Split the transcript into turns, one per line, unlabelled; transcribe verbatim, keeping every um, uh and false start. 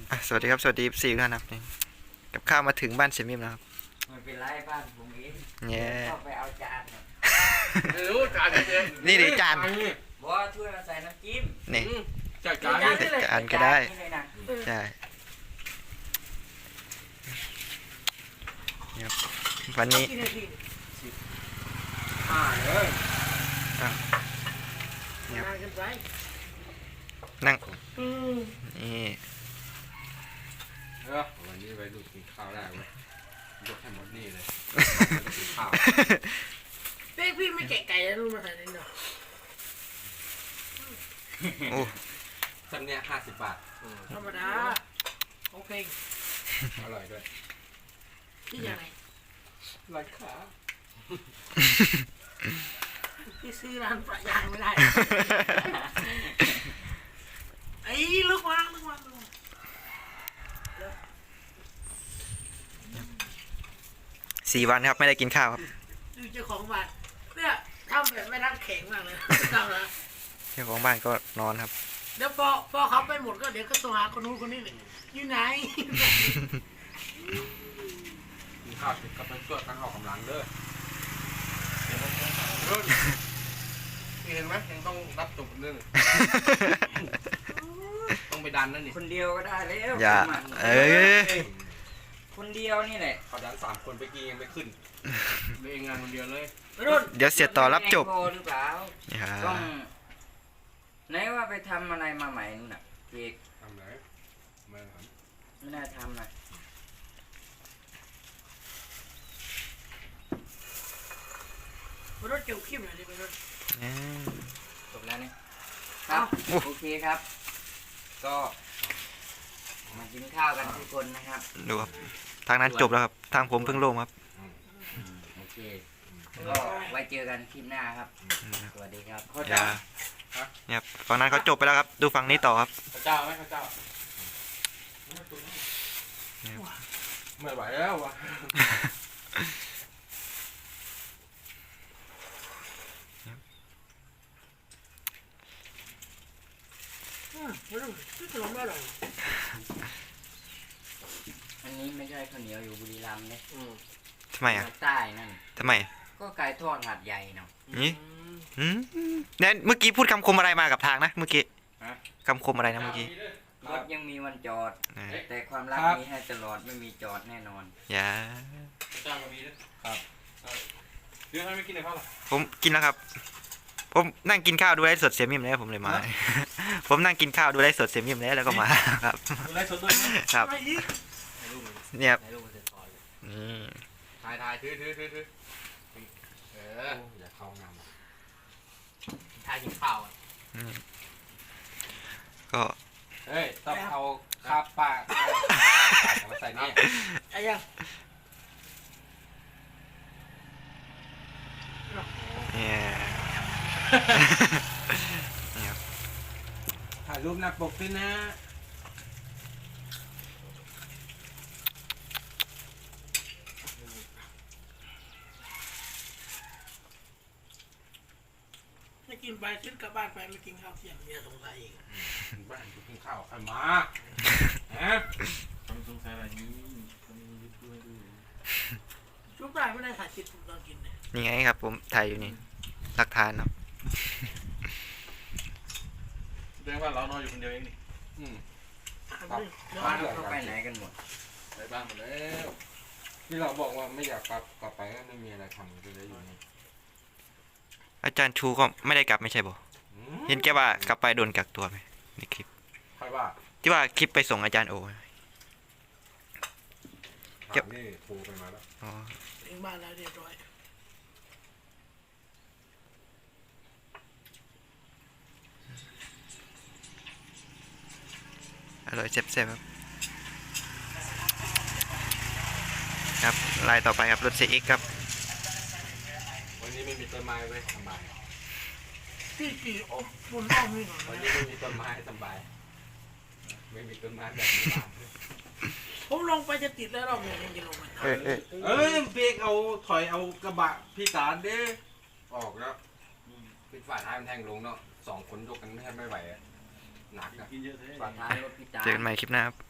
อ่ะสวัสดีครับสวัสดีสี่ท่านครับนี่กับข้าวมาถึงบ้านเซมิมแล้วครับ
ไม่เป็นไรบ้านผมเอง
เนี่ย
เข้าไปเอาจานเนี่ย
ไม่รู้จานเอง
นี่ดิจาน
บอกว่าช่วยมาใส่น้ำจิ้ม
นี่
จัดจาน
ใส่จานก็ได้ใช่ครับวันนี้
อ่าเลย
เนี่ยนั่งนี่
เออวันนี้ไปดูกินข้าวได้ไหมยกให้หมดนี่เลยกินข้าว
เป๊กพี่ไม่แกะไก่แล้วรู้มาใส่ในหน่อย
โอ้
สันเนี้ยห้าสิบบาท
ธรรมดาของเพลง
อร่อยด้วย
ที่ยังไง
ราคา
ที่ซื้อร้านปลายางไม่ได้ไอ้ลูกวางลูกวาง
สี่วันครับไม่ได้กินข้าวครับ
ดูเจ้าของบ้านเนี่ยทำแบบไม่รักแข็งมากเลยทำนะ
เจ้าของบ้านก็นอนครับ
เดี๋ยวพอพอเขาไปหมดก็เดี๋ยวก็โทรหาคนนู้นคนนี้เลยอยู่ไหน
กินข้าวติดกับมันช่วยกันออกกำลังเด้อเห็นไหมยังต้องรับจบเรื่องต้องไปดันนั่นนี่
คนเดียวก็ได้แล้ว
อย่าเออ
คนเดียวนี่แหละ
ขอดันสามคนไปกี้ยังไม่ขึ้นเลยงานคนเดียวเลย
เดี๋ยวเสียต่อรับจบ
หรือเปล่าต้องไหนว่าไปทำอะไรมาใหม่นู่นน่ะเอก
ทำไรไม่ท
ำไม่น่าทำนะ
รถเกี่ยวขี้มหน่อยดิไปรถ
จบแล้วนี่ครับโอเคครับ ก็มากินข้าวกันทุกคนนะครับ
ดูครับทางนั้นจบแล้วครับทางผมเพิ่งลงครับ
โอเคก็ไว้เจอกันคลิปหน้าครับสวัสดีครับ
อย่าเนี่ยฝั่งนั้นเขาจบไปแล้วครับดูฝั่งนี้ต่อครับ
พระเจ้าไหมพระเจ้าไม่ไหวแล้ววะ
อันนี้ไม่ใช่ข้าวเหนียวอยู่บุรีรัมย์เนี่ย
ทำไมอ่ะ
ใต้นั่น
ทำไม
ก็ไก่ทอดหาดใหญ่เนาะ
นี่เนี่ยเมื่อกี้พูดคำคมอะไรมากับทางนะเมื่อกี้คำคมอะไรนะเมื่อกี้
รถยังมีวันจอดแต่ความรักมีให้ตลอดไม่มีจอดแน่นอน
อย่า
จ้างก็มีด้วยครับเรื่องอะไรไม่กินเลยครับ
ผมกินแล้วครับผมนั่งกินข้าวดูไลฟ์สดเสียมิมแล้วผมเลยมาผมนั่งกินข้าวดูไลฟ์สดเสียมิมแล้วแล้วก็มาครับ
ดูไลฟ์สดด้วย
ครับเนี่ย
นี่ถ่ายถ่ายถือถือถือถือเอออย่าเข้างามถ่ายกินข้าว
ก็
เฮ้ยต้องเอาคาปากมาใส่นี่
ไอ้ยัง
เนี่ย
ถ่ายรูปหน้าปกด้วยนะ
ไม่กินไปซื้อกลับบ้านไปไม่กินข้าวเที่ยงเมียสงสัยอีก
บ้านกูกินข้าวใครมาฮะต้องสงสัยอะไรนี้
ชุบได้ไม่ได้ถ่ายคลิปตอนกินเนี่ย
นี่ไงครับผมถ่ายอยู่นี่หลักฐานเนาะ
เรื่องว่าเรานอนอยู่คนเดียวเองนี่อืม
บ้านเขาไปไหนกันหมด
ไปบ้านหมดแล้วที่เราบอกว่าไม่อยากกลับกลับไปก็ไม่มีอะไรทำก็เลยอยู่นี่
อาจารย์ชูก็ไม่ได้กลับไม่ใช่บ่เห็นแกว่ากลับไปโดนกักตัวไหมในคลิป
ใครว่า
ที่ว่าคลิปไปส่งอาจารย์โอ
เก็บนี่โทรไปมาแล้ว
อ๋อ
ถึงบ้านแล้วเรียบร้อย
อร่อยเซ็บๆครับครับลายต่อไปครับรถเซอิกครับ
วันนี้ไม่มีต้นไม้ไว้สบาย
พี่กี่โอ้บนอ้อมนี่หน่อย
วันนี้ไม่มีต้นไม้สบายไม่มีต้นไม้แบบนี้
ผมลงไปจะติดแล้วรอบนี้ยังจะลงไป
เออเออ
เอ้ยเบรกเอาถอยเอากระบะพี่สารเด้ออกแล้วปิดฝาท้ายมันแทงลงเนาะสองคนยกกันแทบไม่ไหวหนักนะ
ฝาท้ายรถพี่สาร
เจอกันใหม่คลิปหน้าครับ